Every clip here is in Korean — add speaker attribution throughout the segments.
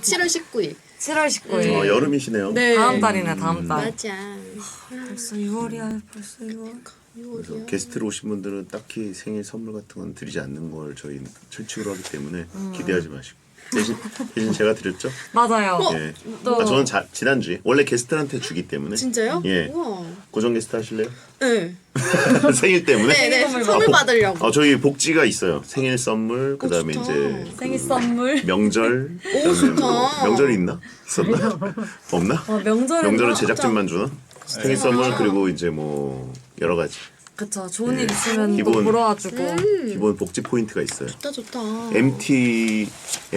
Speaker 1: 7월 19일.
Speaker 2: 7월 19일.
Speaker 3: 여름이시네요.
Speaker 1: 네.
Speaker 2: 다음 달이네, 다음 달.
Speaker 1: 맞아.
Speaker 2: 벌써 6월이야, 벌써 6월.
Speaker 3: 그래서 게스트로 오신 분들은 딱히 생일 선물 같은 건 드리지 않는 걸 저희 철칙으로 하기 때문에 기대하지 마시고. 대신 제가 드렸죠?
Speaker 2: 맞아요.
Speaker 3: 예.
Speaker 2: 또-
Speaker 3: 저는 지난주에 원래 게스트한테 주기 때문에.
Speaker 1: 진짜요?
Speaker 3: 예.
Speaker 1: 우와.
Speaker 3: 고정 게스트 하실래요?
Speaker 1: 네.
Speaker 3: 생일 때문에?
Speaker 1: 네네. 선물 받으려고.
Speaker 3: 저희 복지가 있어요. 생일 선물, 그 다음에
Speaker 1: 좋다.
Speaker 3: 이제
Speaker 2: 생일 선물.
Speaker 3: 명절.
Speaker 1: 오,
Speaker 3: 그다음에
Speaker 1: 좋다.
Speaker 3: 명절이 있나? 있었나? 없나?
Speaker 2: 명절에.
Speaker 3: 명절은 제작진만 주나? 생일 선물 그리고 이제 뭐 여러 가지
Speaker 2: 그쵸. 좋은 일 있으면 또
Speaker 3: 기본.
Speaker 2: 보러 와주고.
Speaker 3: 기본 복지 포인트가 있어요.
Speaker 1: 좋다.
Speaker 3: MT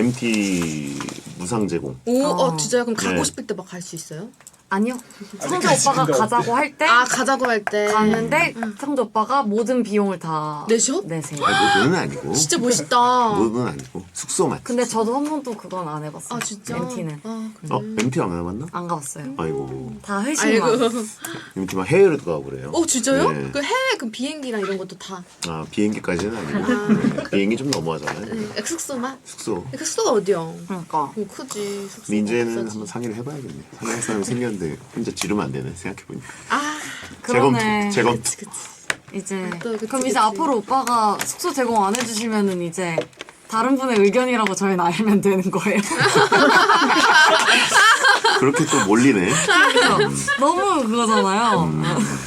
Speaker 3: 무상 제공.
Speaker 1: 오, 진짜요? 그럼 가고
Speaker 3: 네.
Speaker 1: 싶을 때 막 갈 수 있어요?
Speaker 2: 아니요. 성재 오빠가 가자고 할 때
Speaker 1: 가자고 할 때.
Speaker 2: 가는데 성재 오빠가 모든 비용을 다
Speaker 1: 내셔?
Speaker 2: 내세요.
Speaker 3: 그건 아니고.
Speaker 1: 진짜 멋있다.
Speaker 3: 그건 아니고 숙소만.
Speaker 2: 근데 저도 한 번도 그건 안 해봤어요.
Speaker 1: 진짜?
Speaker 2: MT는
Speaker 3: MT 안 해봤나?
Speaker 2: 안 가봤어요.
Speaker 3: 아이고.
Speaker 2: 다 회식만.
Speaker 3: MT 막 해외로 가고 그래요.
Speaker 1: 진짜요?
Speaker 3: 네.
Speaker 1: 그 해외 그 비행기랑 이런 것도 다.
Speaker 3: 비행기까지는 아니고. 비행기 좀 넘어가잖아요.
Speaker 1: 네. 숙소만?
Speaker 3: 숙소.
Speaker 1: 숙소가 어디야?
Speaker 2: 그러니까.
Speaker 1: 크지. 숙소.
Speaker 3: 민재는 한번 상의를 해봐야겠네. 상의할 사람이 생겼는데 혼자 지르면 안 되네. 생각해보니까.
Speaker 2: 그러네.
Speaker 3: 재검.
Speaker 1: 그치.
Speaker 2: 이제
Speaker 1: 그치,
Speaker 2: 그럼
Speaker 1: 그치.
Speaker 2: 이제 앞으로 오빠가 숙소 제공 안 해주시면은 이제 다른 분의 의견이라고 저희는 알면 되는 거예요.
Speaker 3: 그렇게 또 몰리네.
Speaker 2: 너무 그거잖아요.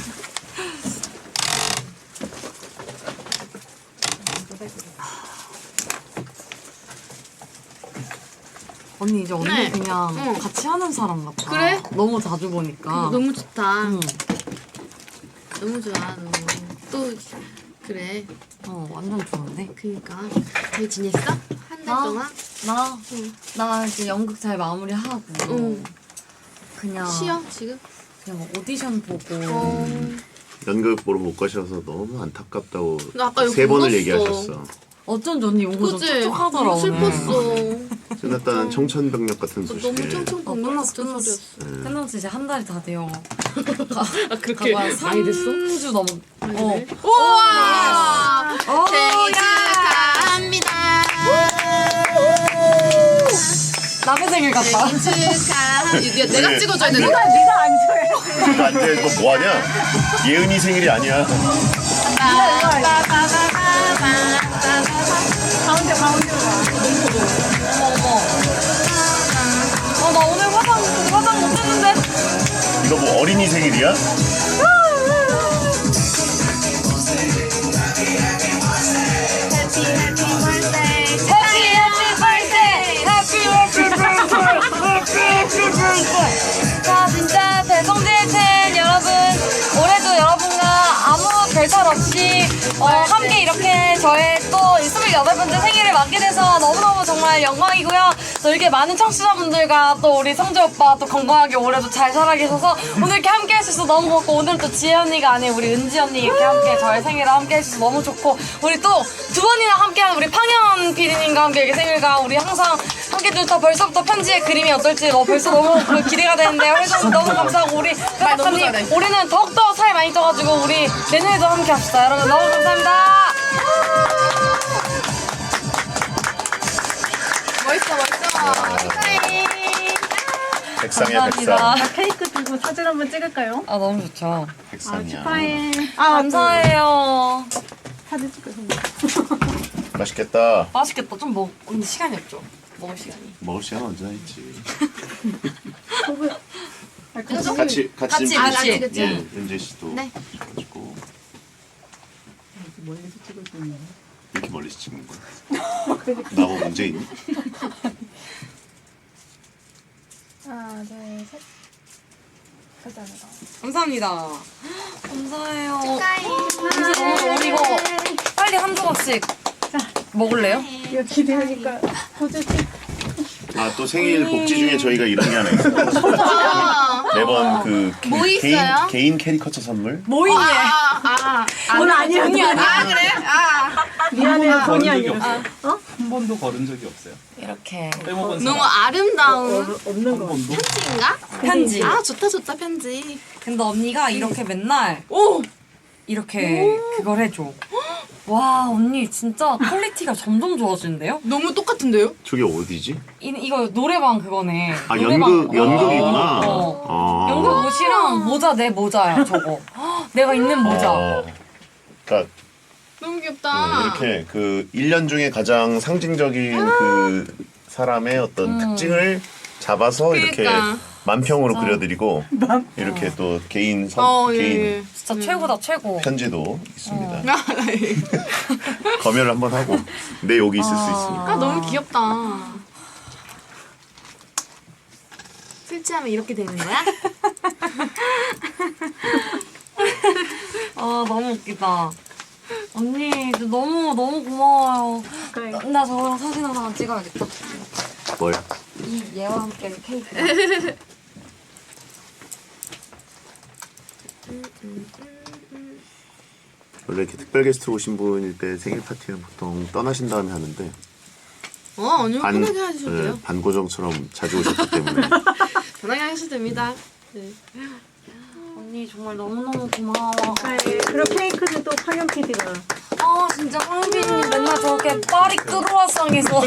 Speaker 2: 언니 이제 언니
Speaker 1: 네.
Speaker 2: 그냥
Speaker 1: 응.
Speaker 2: 같이 하는 사람 같아.
Speaker 1: 그래?
Speaker 2: 너무 자주 보니까.
Speaker 1: 너무 좋다.
Speaker 2: 응.
Speaker 1: 너무 좋아. 너무. 또 그래.
Speaker 2: 완전 좋은데.
Speaker 1: 그니까. 잘 지냈어? 한 달
Speaker 2: 나?
Speaker 1: 동안?
Speaker 2: 나 이제 연극 잘 마무리하고
Speaker 1: 응.
Speaker 2: 그냥
Speaker 1: 쉬어 지금?
Speaker 2: 그냥 오디션 보고
Speaker 3: 연극 보러 못 가셔서 너무 안타깝다고
Speaker 1: 나 아까 여기
Speaker 3: 3번을
Speaker 1: 울었어.
Speaker 3: 얘기하셨어.
Speaker 2: 어쩐지 언니 용어 좀
Speaker 1: 그치?
Speaker 2: 촉촉하더라
Speaker 1: 너무
Speaker 2: 오늘.
Speaker 1: 슬펐어.
Speaker 3: 끝났다는 청천벽력 같은 소식에.
Speaker 1: 너무 청청병력
Speaker 2: 끝났어
Speaker 1: 같은
Speaker 2: 끝났어.
Speaker 1: 소리였어.
Speaker 2: 끝났어 이제 한 달이 다 돼요.
Speaker 1: 그렇게
Speaker 2: 가봐 3주 넘어.
Speaker 1: 우와! 생일
Speaker 2: 야!
Speaker 1: 축하합니다.
Speaker 2: 남의 생일 같다.
Speaker 1: 생일 축하합니다. 내가
Speaker 3: 네.
Speaker 1: 찍어줘야 되는 거야?
Speaker 3: 이거 안 돼. 너 뭐하냐? 예은이 생일이 아니야.
Speaker 2: 나 오늘 화장 못했는데.
Speaker 3: 이거 뭐 어린이 생일이야?
Speaker 2: 자 진짜 배성재의 팬 여러분 올해도 여러분과 아무 별탈 없이 함께 이렇게 저의 또 28번째 생일을 맞게 돼서 너무너무 정말 영광이고요. 또 이렇게 많은 청취자분들과 또 우리 성재 오빠 또 건강하게 올해도 잘 살아 계셔서 오늘 이렇게 함께 할 수 있어서 너무 고맙고 오늘 또 지혜 언니가 아닌 우리 은지 언니 이렇게 함께 저의 생일을 함께 해주셔서 너무 좋고 우리 또 두 번이나 함께한 우리 팡현 PD님과 함께 이렇게 생일과 우리 항상 함께 또 벌써부터 편지의 그림이 어떨지 벌써 너무 기대가 되는데요. 그래서 너무 감사하고 우리 작가님 올해는 더욱더 살 많이 쪄가지고 우리 내년에도 함께 합시다. 여러분 너무 감사합니다.
Speaker 1: 멋있어. 축하해.
Speaker 3: 백상이야,
Speaker 2: 감사합니다.
Speaker 3: 백상.
Speaker 4: 케이크 들고 사진 한번 찍을까요?
Speaker 2: 아 너무 좋죠.
Speaker 3: 백상이야.
Speaker 4: 축하해.
Speaker 2: 감사해요.
Speaker 4: 사진 찍어서.
Speaker 3: 맛있겠다.
Speaker 2: 맛있겠다. 좀 근데 시간이 없죠. 먹을 시간이.
Speaker 3: 먹을 시간 언제나 있지.
Speaker 4: 같이.
Speaker 3: 같이 좀
Speaker 2: 같이.
Speaker 3: 드시죠.
Speaker 1: 그치.
Speaker 3: 예, 은재 씨도
Speaker 1: 네.
Speaker 3: 가지고
Speaker 4: 멀리서 찍을 수 있는.
Speaker 3: 이렇게 멀리서 찍는 거야? 나하고 문제 있니?
Speaker 4: 하나, 둘, 셋. 감사합니다.
Speaker 2: 감사합니다. 감사해요.
Speaker 1: 축하해.
Speaker 2: 우리 이거 빨리 한 조각씩 먹을래요?
Speaker 4: 이거 기대하니까 포즈티.
Speaker 3: 또 생일 복지 중에 저희가 이런 게 하나 있어요. 매번 그
Speaker 1: 뭐 있어요?
Speaker 3: 개인 캐리커처 선물.
Speaker 2: 모이네.
Speaker 4: 오늘 아니야.
Speaker 2: 돈이 아니야.
Speaker 1: 그래?
Speaker 4: 미안해. 돈이 아니라.
Speaker 5: 한 번도 걸은 적이 없어요.
Speaker 2: 이렇게
Speaker 5: 빼먹은
Speaker 1: 너무
Speaker 5: 사람
Speaker 1: 아름다운
Speaker 4: 없는
Speaker 5: 한
Speaker 4: 거.
Speaker 5: 번도?
Speaker 1: 편지인가?
Speaker 2: 편지.
Speaker 1: 좋다 편지.
Speaker 2: 근데 언니가 이렇게 맨날
Speaker 1: 오!
Speaker 2: 이렇게 그걸 해줘. 와 언니 진짜 퀄리티가 점점 좋아지는데요?
Speaker 1: 너무 똑같은데요?
Speaker 3: 저게 어디지?
Speaker 2: 이거 노래방 그거네.
Speaker 3: 아
Speaker 2: 노래방.
Speaker 3: 연극이구나.
Speaker 2: 연극 옷이랑 모자 내 모자야 저거. 헉, 내가 입는 모자.
Speaker 3: 그러니까
Speaker 1: 너무 귀엽다.
Speaker 3: 이렇게 그 1년 중에 가장 상징적인 그 사람의 어떤 특징을 잡아서 이렇게
Speaker 1: 그러니까.
Speaker 3: 만평으로 그려드리고 이렇게 또 개인
Speaker 1: 예,
Speaker 3: 개인
Speaker 1: 예.
Speaker 2: 진짜 최고다 최고.
Speaker 3: 편지도 있습니다.
Speaker 1: 아, 예.
Speaker 3: 검열을 한번 하고 내 욕이 있을 수 있으니까.
Speaker 1: 아, 너무 귀엽다. 설치하면 이렇게 되는 거야?
Speaker 2: 아 너무 웃기다. 언니 너무 고마워요. 나 저랑 사진 하나 찍어야겠다.
Speaker 3: 뭘?
Speaker 2: 이 얘와 함께 케이크.
Speaker 3: 원래 이렇게 특별 게스트로 오신 분일 때 생일 파티는 보통 떠나신 다음에 하는데
Speaker 1: 아니요. 편하게 하셔도 돼요.
Speaker 3: 반고정처럼 자주 오셨기 때문에
Speaker 1: 편하게 하셔도 됩니다. 네.
Speaker 2: 언니 정말 너무너무 고마워.
Speaker 4: 그리고 케이크는 또 황현 PD가
Speaker 2: 아 진짜 황빈님 맨날 저렇게 파리 크루아상에서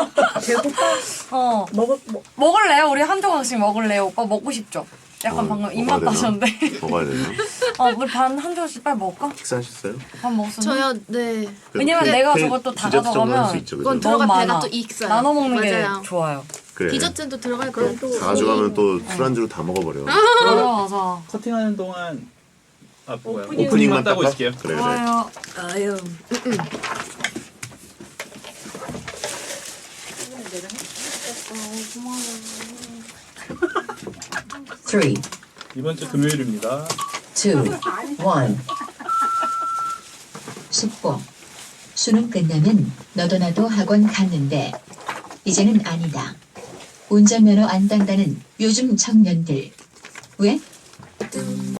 Speaker 4: 배고파?
Speaker 2: 먹을래요? 우리 한 조각씩 먹을래요? 오빠 먹고 싶죠? 약간 방금 입맛
Speaker 3: 먹어야
Speaker 2: 따셨는데.
Speaker 3: 되나? 먹어야 되나?
Speaker 2: 우리 반 한 조각씩 빨리 먹을까?
Speaker 3: 식사하셨어요?
Speaker 2: 밥 먹었어.
Speaker 1: 저요, 네.
Speaker 2: 왜냐면 내가 저것도 다
Speaker 3: 디저트 정도 할수
Speaker 2: 가져가면
Speaker 3: 있죠,
Speaker 1: 그건
Speaker 3: 그죠?
Speaker 1: 들어가
Speaker 2: 너무
Speaker 1: 배가
Speaker 2: 많아.
Speaker 1: 또 익어요.
Speaker 2: 나눠 먹는
Speaker 1: 맞아요.
Speaker 2: 게 좋아요.
Speaker 3: 그래.
Speaker 1: 디저트도 들어갈 거예요. 또.
Speaker 3: 다 가져가면 또 술안주로 다 먹어버려.
Speaker 2: 맞아.
Speaker 5: 커팅하는 동안 뭐야?
Speaker 3: 오프닝만
Speaker 5: 따고
Speaker 3: 닦아?
Speaker 5: 있을게요.
Speaker 3: 그래.
Speaker 2: 좋아요.
Speaker 1: 아유.
Speaker 6: Three,
Speaker 5: 이번 주 금요일입니다.
Speaker 6: 2, 1. 숙보. 수능 끝나면 너도 나도 학원 갔는데 이제는 아니다. 운전면허 안 딴다는 요즘 청년들. 왜?